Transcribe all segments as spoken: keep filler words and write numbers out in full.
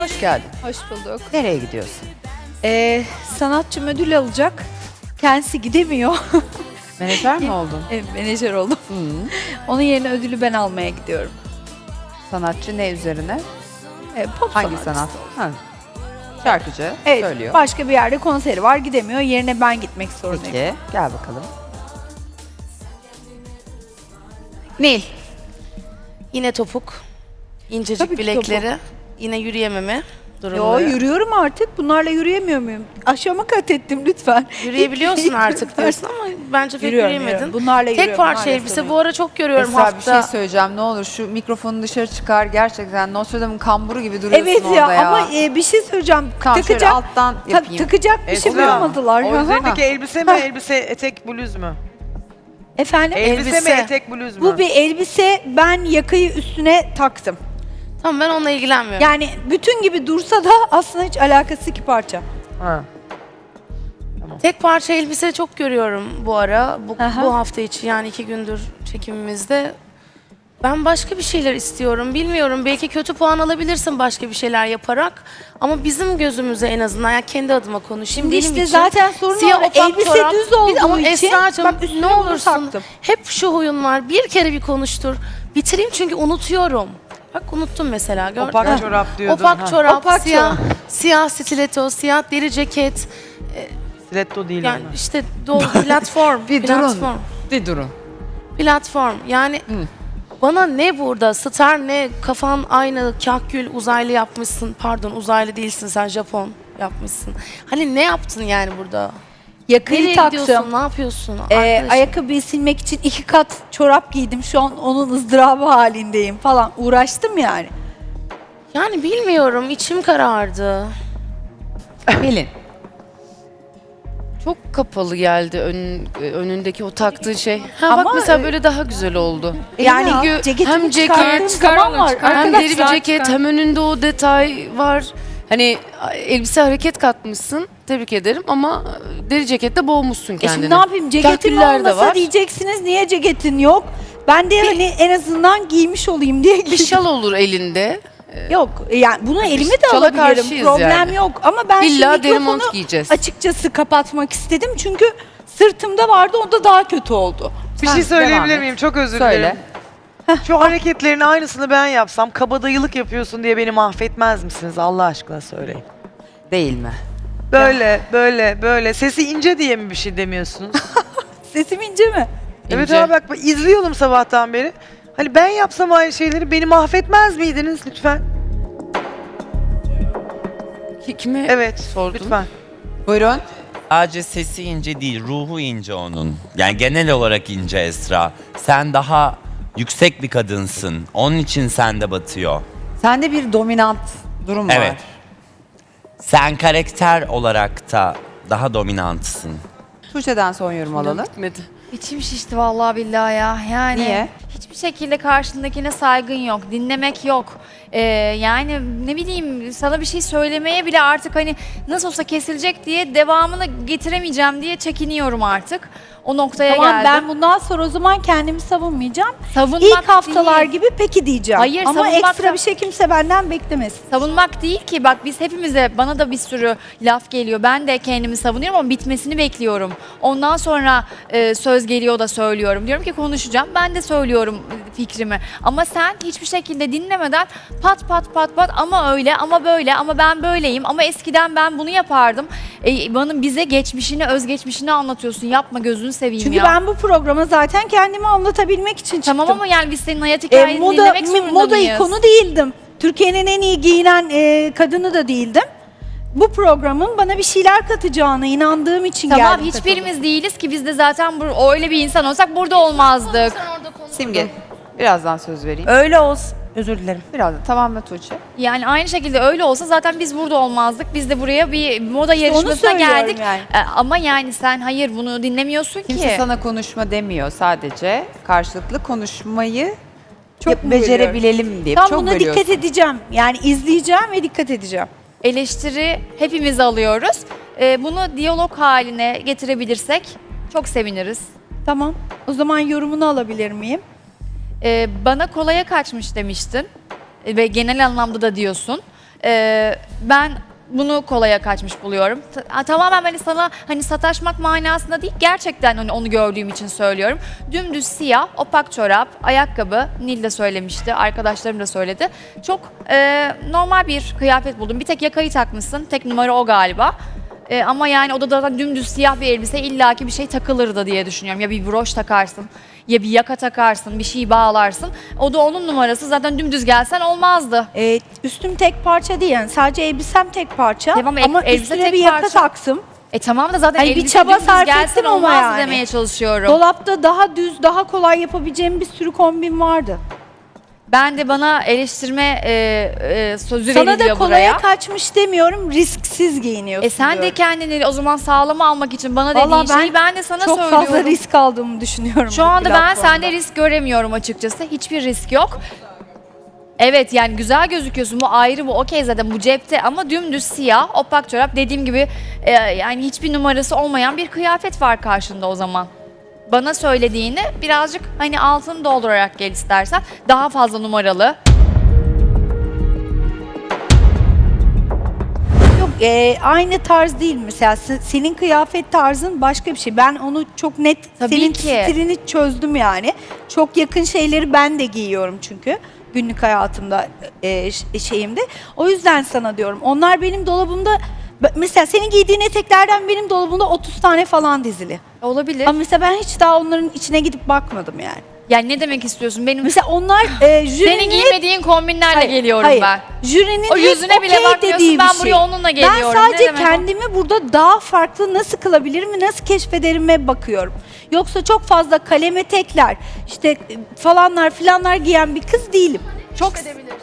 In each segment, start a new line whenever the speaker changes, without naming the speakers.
Hoş geldin.
Hoş bulduk.
Nereye gidiyorsun?
Ee, sanatçım ödül alacak. Kendisi gidemiyor.
Menajer mi oldun?
Evet, menajer oldum.
Hı.
Onun yerine ödülü ben almaya gidiyorum.
Sanatçı ne üzerine?
Ee, pop
Hangi
sanatçısı
sanat?
olacak.
Ha. Şarkıcı
Evet,
söylüyor.
başka bir yerde konseri var, gidemiyor. Yerine ben gitmek zorundayım.
Peki, gel bakalım. Nil.
Yine topuk, incecik
Tabii ki
bilekleri, yine yürüyememe
Yo,
durumları.
yürüyorum artık. Bunlarla yürüyemiyor muyum? Aşama kat ettim lütfen.
Yürüyebiliyorsun artık diyorsun ama bence pek
Yürüyorum,
yürüyemedin.
yürüyorum. Bunlarla
Tek
yürüyorum,
parça
maalesef
elbise
öyle.
bu ara çok görüyorum
Esra
hafta.
bir şey söyleyeceğim. Ne olur şu mikrofonu dışarı çıkar. Gerçekten Notre Dame'ın kamburu gibi duruyorsun
Evet
orada
ya,
ya.
ama e, bir şey söyleyeceğim.
Tamam, şöyle
takacak,
alttan
ta-
yapayım.
takacak bir şey
Esra,
bulamadılar.
O
Hı hı.
üzerindeki elbise mi, elbise etek bluz mu?
Efendim?
Elbise,
Elbise.
mi, etek bluz mu?
Bu bir elbise, ben yakayı üstüne taktım.
Tamam, ben onunla ilgilenmiyorum.
Yani bütün gibi dursa da aslında hiç alakası iki parça.
Ha.
Tek parça elbise çok görüyorum bu ara. Bu,
Aha.
bu hafta içi yani iki gündür çekimimizde. Ben başka bir şeyler istiyorum. Bilmiyorum, belki kötü puan alabilirsin başka bir şeyler yaparak. Ama bizim gözümüze en azından, yani kendi adıma konuşayım.
Şimdi
benim
işte
için
zaten sorun
siyah
orada.
opak
Elbise
çorap.
düz
Bir de
olduğu
ama
için
Esra'cığım,
bak üstüne
ne
bunu
olursun
taktım.
hep şu huyun var. Bir kere bir konuştur. Bitireyim çünkü unutuyorum. Bak unuttum mesela, gördün mü?
Opak çorap diyordun.
Opak
ha.
çorap,
Opak
siyah,
çorap.
siyah stiletto, siyah deri ceket.
Stiletto değil
Yani
ama.
işte dolu platform,
Bir
platform,
durun. Bir durun.
platform. Yani bana ne burada star ne, kafan aynı kahkül uzaylı yapmışsın. Pardon, uzaylı değilsin sen, Japon yapmışsın. Hani ne yaptın yani burada?
Yakayı
Nereye
taktım.
gidiyorsun? Ne yapıyorsun?
Ee,
Arkadaşım,
ayakkabıyı silmek için iki kat çorap giydim. Şu an onun ızdırabı halindeyim falan. Uğraştım yani.
yani bilmiyorum, içim karardı.
Pelin.
Çok kapalı geldi ön, önündeki o taktığın şey. Ha
Ama,
bak mesela
e,
böyle daha güzel oldu.
Yani
Çünkü
ceketimi
hem
çıkarttığım
ceket,
zaman var.
hem deri bir
Arkadaşlar,
ceket, hem önünde o detay var. Hani elbise hareket katmışsın. Tebrik ederim ama deri cekette boğmuşsun
E
kendini.
şimdi ne yapayım? Ceketim
Kahküller de
olmasa
var.
diyeceksiniz niye ceketin yok? Ben de hani en azından giymiş olayım diye
Bir
giydim.
şal olur elinde.
Yok yani bunu elime de
şala
alabilirim.
karşıyız
Problem
yani.
yok ama ben
İlla
şimdi
deri
mikrofonu
mont giyeceğiz.
açıkçası kapatmak istedim. Çünkü sırtımda vardı, o da daha kötü oldu.
Bir
Sen
şey
devam
söyleyebilir
et.
miyim? Çok özür
Söyle.
dilerim. Şu hareketlerin aynısını ben yapsam, kabadayılık yapıyorsun diye beni mahvetmez misiniz? Allah aşkına söyleyin.
Değil mi?
Böyle, böyle, böyle. Sesi ince diye mi bir şey demiyorsunuz?
Sesim ince mi?
Evet
İnce.
abi bak, bak izliyorum sabahtan beri. Hani ben yapsam aynı şeyleri beni mahvetmez miydiniz lütfen?
Ki- Kime
Evet,
sordun?
lütfen.
Buyurun.
Sadece sesi ince değil, ruhu ince onun. Yani genel olarak ince Esra. Sen daha yüksek bir kadınsın. Onun için sende batıyor.
Sende bir dominant durum var.
Evet. Sen karakter olarak da daha dominantsın.
Tuğçe'den son yorum alalım.
Gitmedi.
İçim şişti vallahi billahi ya. Yani
Niye?
hiçbir şekilde karşındakine saygın yok, dinlemek yok. Ee, yani ne bileyim, sana bir şey söylemeye bile artık hani nasıl olsa kesilecek diye devamını getiremeyeceğim diye çekiniyorum artık. O noktaya
Tamam,
geldim.
ben bundan sonra o zaman kendimi savunmayacağım.
savunmak
İlk haftalar
değil.
gibi peki diyeceğim.
Hayır,
ama
savunmak
ekstra
da-
bir şey kimse benden beklemesin.
Savunmak değil ki, bak biz hepimize, bana da bir sürü laf geliyor. Ben de kendimi savunuyorum ama bitmesini bekliyorum. Ondan sonra e, söz geliyor da söylüyorum. Diyorum ki konuşacağım. Ben de söylüyorum e, fikrimi. Ama sen hiçbir şekilde dinlemeden pat pat pat pat ama öyle ama böyle ama ben böyleyim ama eskiden ben bunu yapardım. E, bana bize geçmişini, özgeçmişini anlatıyorsun. Yapma, gözünü seveyim
Çünkü
ya.
ben bu programa zaten kendimi anlatabilmek için çıktım.
Tamam ama yani biz senin hayat
E,
hikayeni
moda,
dinlemek
mi-
zorunda
moda
mıyız?
ikonu değildim. Türkiye'nin en iyi giyinen e, kadını da değildim. Bu programın bana bir şeyler katacağına inandığım için
Tamam,
geldim.
hiçbirimiz değiliz ki, biz de zaten bur- öyle bir insan olsak burada olmazdık.
Simge. Birazdan söz vereyim.
Öyle olsun. Özür dilerim.
Birazdan. Tamam mı Tuğçe?
Yani aynı şekilde öyle olsa zaten biz burada olmazdık. Biz de buraya bir moda
onu
yarışmasına
söylüyorum
geldik.
yani.
E, ama yani sen hayır bunu dinlemiyorsun
Kimse
ki.
sana konuşma demiyor, sadece karşılıklı konuşmayı
Çok
çok
mu
becerebilelim diye.
Tam
çok
buna
bölüyorsun.
dikkat edeceğim. Yani izleyeceğim ve dikkat edeceğim.
Eleştiri hepimiz alıyoruz. E, bunu diyalog haline getirebilirsek çok seviniriz.
Tamam. O zaman yorumunu alabilir miyim?
E, bana kolaya kaçmış demiştin. E, ve genel anlamda da diyorsun. Ee, ben bunu kolaya kaçmış buluyorum. Ta- tamamen hani sana hani sataşmak manasında değil, gerçekten hani onu gördüğüm için söylüyorum. Dümdüz siyah, opak çorap, ayakkabı, Nil de söylemişti, arkadaşlarım da söyledi. Çok e, normal bir kıyafet buldum. Bir tek yakayı takmışsın, tek numara o galiba. E, ama yani o da zaten dümdüz siyah bir elbise, illaki bir şey takılırdı diye düşünüyorum. Ya bir broş takarsın, ya bir yaka takarsın, bir şey bağlarsın. O da onun numarası, zaten dümdüz gelsen olmazdı.
Ee, üstüm tek parça değil yani sadece elbisem tek parça
Tamam, el-
ama
elbise
üstüne
tek
bir yaka
parça.
taktım.
E tamam da zaten
Hani bir
elbise
çaba
dümdüz
sarf
gelsen
ettim ama
olmazdı
yani.
demeye çalışıyorum.
Dolapta daha düz, daha kolay yapabileceğim bir sürü kombin vardı.
Ben de bana eleştirme e, e, sözü
Sana da
veriliyor
kolaya
buraya.
kaçmış demiyorum, risksiz giyiniyorsun
E sen de
diyorum.
kendini o zaman sağlama almak için bana
Vallahi
dediğin şeyi ben de sana
çok
söylüyorum.
fazla risk aldığımı düşünüyorum.
Şu
bu
anda ben
platformda.
sende risk göremiyorum açıkçası. Hiçbir risk yok. Evet yani güzel gözüküyorsun, bu ayrı, bu okey zaten, bu cepte, ama dümdüz siyah, opak çorap, dediğim gibi e, yani hiçbir numarası olmayan bir kıyafet var karşında o zaman. Bana söylediğini birazcık hani altını doldurarak gel istersen, daha fazla numaralı.
Yok, e, aynı tarz değil mesela. Se- Senin kıyafet tarzın başka bir şey. Ben onu çok net,
Tabii
senin
ki.
stilini çözdüm yani. Çok yakın şeyleri ben de giyiyorum çünkü. Günlük hayatımda, e, ş- şeyimde. O yüzden sana diyorum. Onlar benim dolabımda, b- mesela senin giydiğin eteklerden benim dolabımda otuz tane falan dizili.
Olabilir.
Ama mesela ben hiç daha onların içine gidip bakmadım yani.
Yani ne demek istiyorsun? Benim
Mesela onlar e, jürinin
senin giymediğin kombinlerle
Hayır,
geliyorum
hayır.
ben.
Jürinin
O yüzüne
hep
bile
okey
bakmıyorsun,
dediği bir
ben
şey.
buraya onunla geliyorum.
Ben
Ne
sadece
demek o?
kendimi burada daha farklı nasıl kılabilirim ve nasıl keşfederime bakıyorum. Yoksa çok fazla kaleme tekler, işte e, falanlar filanlar giyen bir kız değilim.
Çok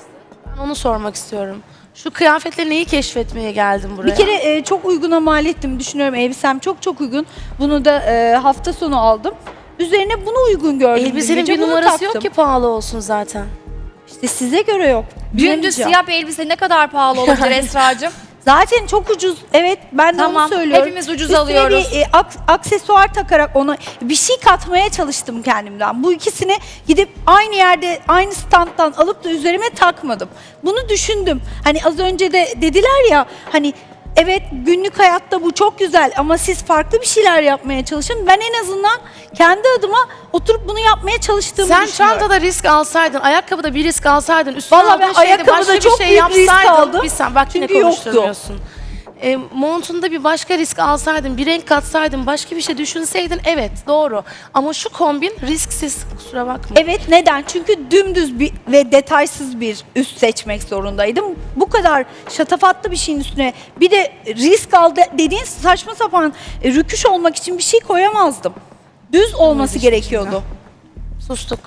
Ben onu sormak istiyorum. Şu kıyafetle neyi keşfetmeye geldin buraya?
Bir kere e, çok uyguna mal ettim düşünüyorum. Elbisem çok çok uygun. Bunu da e, hafta sonu aldım. Üzerine bunu uygun gördüm. dün
elbisenin
gece,
bir
bunu
numarası
taktım.
yok ki pahalı olsun zaten.
İşte size göre yok.
Dümdüz
Bilemeyeceğim.
siyah bir elbise ne kadar pahalı olabilir Esra'cığım?
Zaten çok ucuz. Evet, ben de
Tamam,
onu söylüyorum.
hepimiz ucuz
Üstüne
alıyoruz.
bir e, ak- aksesuar takarak ona bir şey katmaya çalıştım kendimden. Bu ikisini gidip aynı yerde, aynı standtan alıp da üzerime takmadım. Bunu düşündüm. Hani az önce de dediler ya, hani evet günlük hayatta bu çok güzel ama siz farklı bir şeyler yapmaya çalışın. Ben en azından kendi adıma oturup bunu yapmaya çalıştığımı
Sen
düşünüyorum.
çantada risk alsaydın, ayakkabıda bir risk alsaydın, üstüne
Vallahi
aldığın
ben
şeyde
ayakkabıda
başka bir
çok
şey
büyük risk
yapsaydın.
aldım.
Bir sen, bak yine
Çünkü yoktu.
konuşturmuyorsun. E, montunda bir başka risk alsaydın, bir renk katsaydın, başka bir şey düşünseydin, evet doğru. Ama şu kombin risksiz, kusura bakma.
Evet, neden? Çünkü dümdüz bir ve detaysız bir üst seçmek zorundaydım. Bu kadar şatafatlı bir şeyin üstüne bir de risk aldı dediğin saçma sapan e, rüküş olmak için bir şey koyamazdım. Düz olması gerekiyordu.
Sustuk.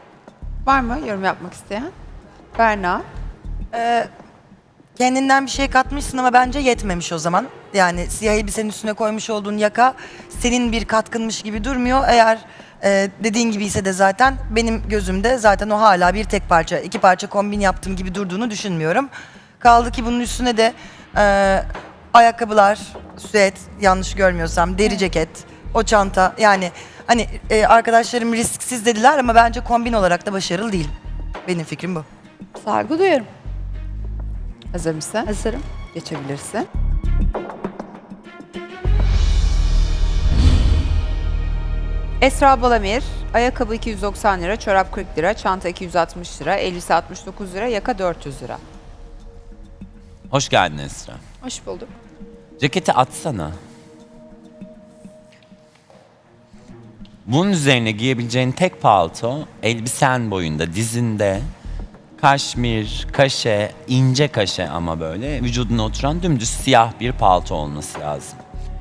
Var mı yorum yapmak isteyen? Berna.
Ee, kendinden bir şey katmışsın ama bence yetmemiş o zaman. Yani siyah elbisenin üstüne koymuş olduğun yaka senin bir katkınmış gibi durmuyor. Eğer e, dediğin gibi ise de zaten benim gözümde zaten o hala bir tek parça, iki parça kombin yaptığım gibi durduğunu düşünmüyorum. Kaldı ki bunun üstüne de e, ayakkabılar, süet, yanlış görmüyorsam, deri ceket, o çanta, yani hani e, arkadaşlarım risksiz dediler ama bence kombin olarak da başarılı değil. Benim fikrim bu.
Saygı duyuyorum.
Hazır mısın?
Hazırım.
Geçebilirsin. Esra Balamir, ayakkabı iki yüz doksan lira, çorap kırk lira, çanta iki yüz altmış lira, elbise altmış dokuz lira, yaka dört yüz lira.
Hoş geldin Esra.
Hoş bulduk.
Ceketi atsana. Bunun üzerine giyebileceğin tek palto elbisen boyunda, dizinde kaşmir, kaşe, ince kaşe ama böyle vücuduna oturan dümdüz siyah bir palto olması lazım.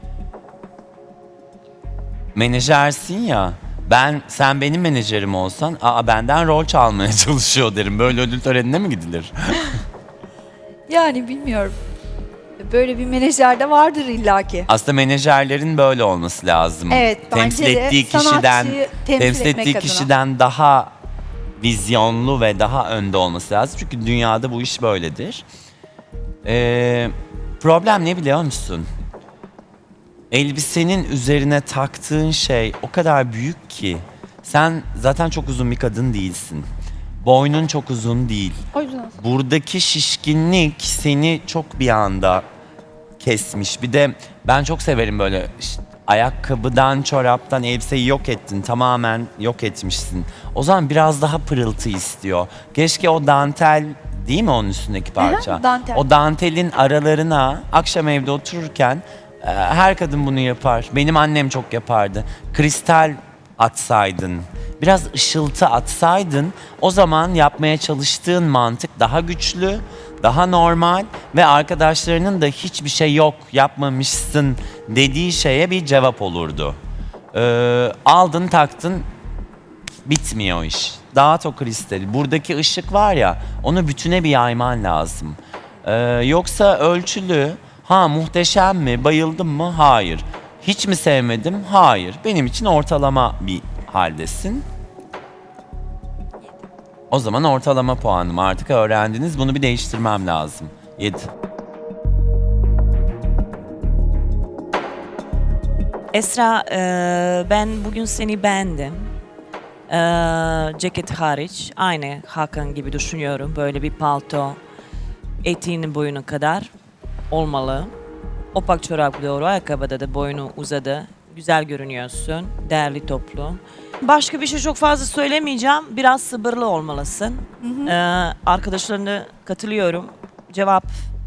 Menajersin ya, ben sen benim menajerim olsan, aa benden rol çalmaya çalışıyor derim. Böyle ödül törenine mi gidilir?
Yani bilmiyorum. Böyle bir menajer de vardır illaki.
Aslında menajerlerin böyle olması lazım.
Evet, bence
temsil
de
ettiği kişiden
sanatçıyı temsil
temsil
etmek
ettiği
adına.
kişiden daha vizyonlu ve daha önde olması lazım. Çünkü dünyada bu iş böyledir. Ee, problem ne biliyor musun? Elbisenin üzerine taktığın şey o kadar büyük ki sen zaten çok uzun bir kadın değilsin. Boynun çok uzun değil.
O yüzden.
Buradaki şişkinlik seni çok bir anda kesmiş. Bir de ben çok severim böyle ş- ayakkabıdan, çoraptan elbiseyi yok ettin. Tamamen yok etmişsin. O zaman biraz daha pırıltı istiyor. Keşke o dantel değil mi onun üstündeki parça?
Aha, dantel.
O dantelin aralarına akşam evde otururken e, her kadın bunu yapar. Benim annem çok yapardı. Kristal atsaydın, biraz ışıltı atsaydın, o zaman yapmaya çalıştığın mantık daha güçlü, daha normal ve arkadaşlarının da hiçbir şey yok, yapmamışsın dediği şeye bir cevap olurdu. Ee, aldın taktın, bitmiyor o iş. Dağıt o kristali. Buradaki ışık var ya, onu bütüne bir yayman lazım. Ee, yoksa ölçülü, ha muhteşem mi, bayıldım mı? Hayır. Hiç mi sevmedim? Hayır. Benim için ortalama bir haldesin. O zaman ortalama puanım. Artık öğrendiniz. Bunu bir değiştirmem lazım. yedi.
Esra, e, ben bugün seni beğendim. E, ceket hariç, aynı Hakan gibi düşünüyorum. Böyle bir palto, eteğinin boyuna kadar olmalı. Opak çorap doğru, ayakkabıda da boynu uzadı. Güzel görünüyorsun, değerli toplu. Başka bir şey çok fazla söylemeyeceğim. Biraz sabırlı olmalısın. E, arkadaşlarına katılıyorum. Cevap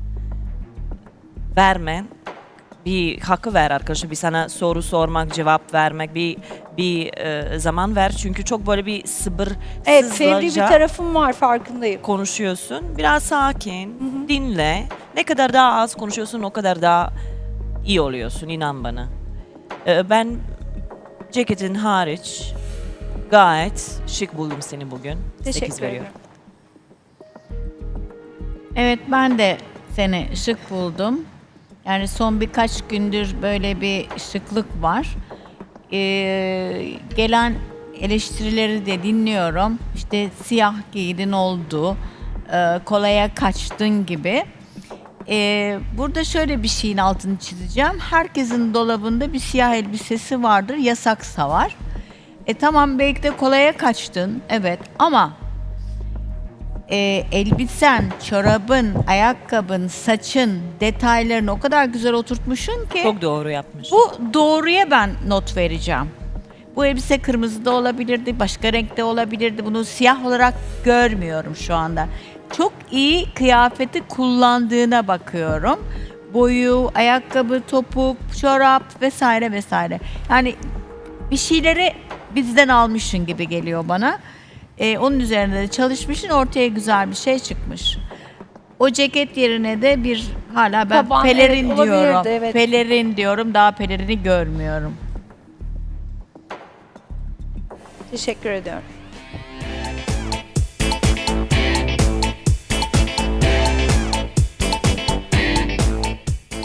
verme. Bir hakkı ver arkadaşım, bir sana soru sormak, cevap vermek, bir bir e, zaman ver. Çünkü çok böyle bir sabırsızca
Evet, fevri bir tarafım var, farkındayım.
konuşuyorsun. Biraz sakin, dinle. Ne kadar daha az konuşuyorsun, o kadar daha iyi oluyorsun, inan bana. E, ben ceketin hariç gayet şık buldum seni bugün. sekiz
Teşekkür
veriyorum.
ederim.
Evet, ben de seni şık buldum. Yani son birkaç gündür böyle bir şıklık var. Ee, gelen eleştirileri de dinliyorum. İşte siyah giydin oldu, e, kolaya kaçtın gibi. Ee, burada şöyle bir şeyin altını çizeceğim. Herkesin dolabında bir siyah elbisesi vardır, yasaksa var. E tamam, belki de kolaya kaçtın, evet, ama e, elbisen, çorabın, ayakkabın, saçın, detaylarını o kadar güzel oturtmuşsun ki
Çok doğru yapmış.
bu doğruya ben not vereceğim. Bu elbise kırmızı da olabilirdi, başka renkte olabilirdi. Bunu siyah olarak görmüyorum şu anda. Çok iyi kıyafeti kullandığına bakıyorum. Boyu, ayakkabı, topuk, çorap vesaire vesaire. Yani bir şeyleri bizden almışsın gibi geliyor bana. Ee, onun üzerinde de çalışmışsın, ortaya güzel bir şey çıkmış. O ceket yerine de bir hala ben
Taban,
pelerin
evet, olabilirdi,
diyorum.
evet.
Pelerin diyorum, daha pelerini görmüyorum.
Teşekkür ediyorum.